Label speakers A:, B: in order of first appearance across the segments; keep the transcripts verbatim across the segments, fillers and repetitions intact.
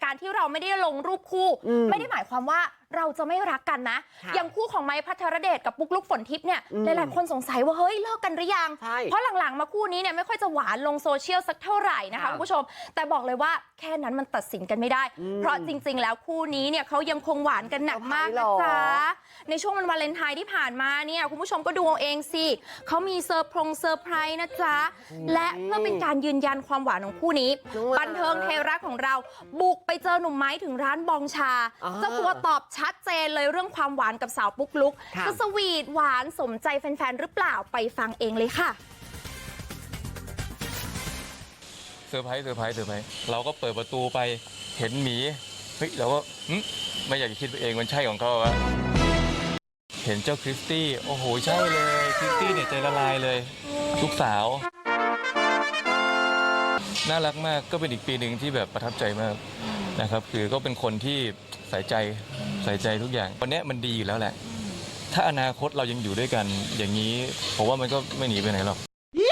A: การที่เราไม่ได้ลงรูปคู่ไม่ได้หมายความว่าเราจะไม่รักกันนะอย่างคู่ของไม้พัทรเดชกับปุ๊กลุกฝนทิพย์เนี่ยหลายๆคนสงสัยว่าเฮ้ยเลิกกันหรือยังเพราะหลังๆมาคู่นี้เนี่ยไม่ค่อยจะหวานลงโซเชียลสักเท่าไหร่นะคะคุณผู้ชมแต่บอกเลยว่าแค่นั้นมันตัดสินกันไม่ได้เพราะจริงๆแล้วคู่นี้เนี่ยเขายังคงหวานกันหนักมากนะจ๊ะในช่วงวันวาเลนไทน์ที่ผ่านมาเนี่ยคุณผู้ชมก็ดูเอาเองสิเขามีเซอร์พรงเซอร์ไพรส์นะจ๊ะและเพื่อเป็นการยืนยันความหวานของคู่นี้บันเทิงไทยรัฐของเราบุกไปเจอหนุ่มไม้ถึงร้านบองชาเจ้าตัวตอบชัดเจนเลยเรื่องความหวานกับสาวปุ๊กลุกจะสวีทหวานสมใจแฟนๆหรือเปล่าไปฟังเองเลยค่ะ
B: เซอร์ไพรส์เซอร์ไพรส์เซอร์ไพรส์เราก็เปิดประตูไปเห็นหมีเฮ้ยเราก็ไม่อยากจะคิดไปเองมันใช่ของเขาวะเห็นเจ้าคริสตี้โอ้โหใช่เลยคริสตี้เนี่ยใจละลายเลยลูกสาวน่ารักมากก็เป็นอีกปีหนึ่งที่แบบประทับใจมากนะครับคือก็เป็นคนที่ใส่ใจใส่ใจทุกอย่างวันนี้มันดีอยู่แล้วแหละถ้าอนาคตเรายังอยู่ด้วยกันอย่างนี้ผมว่ามันก็ไม่หนีไปไหนหรอก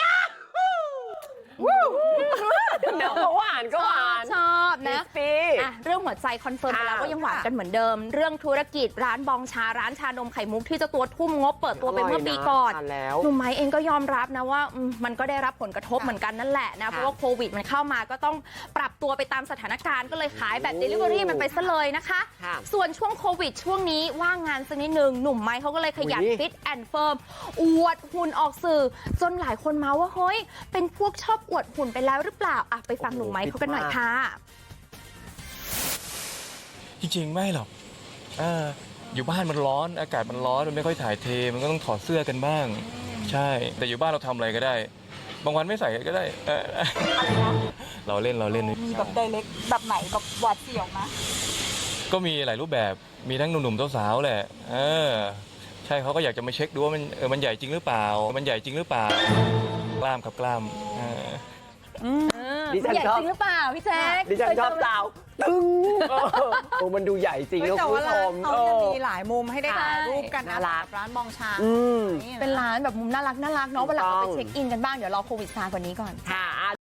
C: เดี๋ยวก็หวานก็หวาน
A: ชอบนะอ่ะเรื่องหัวใจคอนเฟิร์มไปแล้วว่ายังหวานกันเหมือนเดิมเรื่องธุรกิจร้านบองชาร้านชานมไข่มุกที่เจ้าตัวทุ่มงบเปิดตัวไปเมื่อปีก่อนหนุ่มไม้เองก็ยอมรับนะว่ามันก็ได้รับผลกระทบเหมือนกันนั่นแหละนะเพราะว่าโควิดมันเข้ามาก็ต้องปรับตัวไปตามสถานการณ์ก็เลยขายแบบ Delivery มันไปซะเลยนะคะส่วนช่วงโควิดช่วงนี้ว่างงานสักนิดนึงหนุ่มไม้เขาก็เลยขยันฟิตแอนด์เฟิร์มอวดหุ่นออกสื่อจนหลายคนเมาว่าเฮ้ยเป็นพวกชอบอวดหุ่นไปแล้วหรือเปล่าอ่ะไปฟังหนุ่มไม้เขากันหน่อยค่ะ
B: จริงๆไม่หรอกออยู่บ้านมันร้อนอากาศมันร้อนมันไม่ค่อยถ่ายเทมันก็ต้องถอดเสื้อกันบ้างใช่แต่อยู่บ้านเราทำอะไรก็ได้บางวันไม่ใส่ก็ได้เราเล่นเราเล่น
D: มีแบบไดเรกแบบไหนแบบหวาดเสียวนะ
B: ก็มีหลายรูปแบบมีทั้งหนุ่มๆสาวๆแหละเออใช่เขาก็อยากจะมาเช็คดูว่ามันเออมันใหญ่จริงหรือเปล่ามันใหญ่จริงหรือเปล่ากล้ามครับกล้าม
A: ดิฉันชอบจริงหรือเปล่าพี่แจ๊ค
C: ดิฉันชอบสาวตึงโอ้มันดูใหญ่จริงนะคุณผู้ชม
D: เขาจะมีหลายมุมให้ได้ถ่ายรูปกันนะร้านบองชา
A: เป็นร้านแบบมุมน่ารักน่ารักเนาะเวลาเราไปเช็คอินกันบ้างเดี๋ยวรอโควิดซาก่อนนี้ก่อน
C: ค่ะ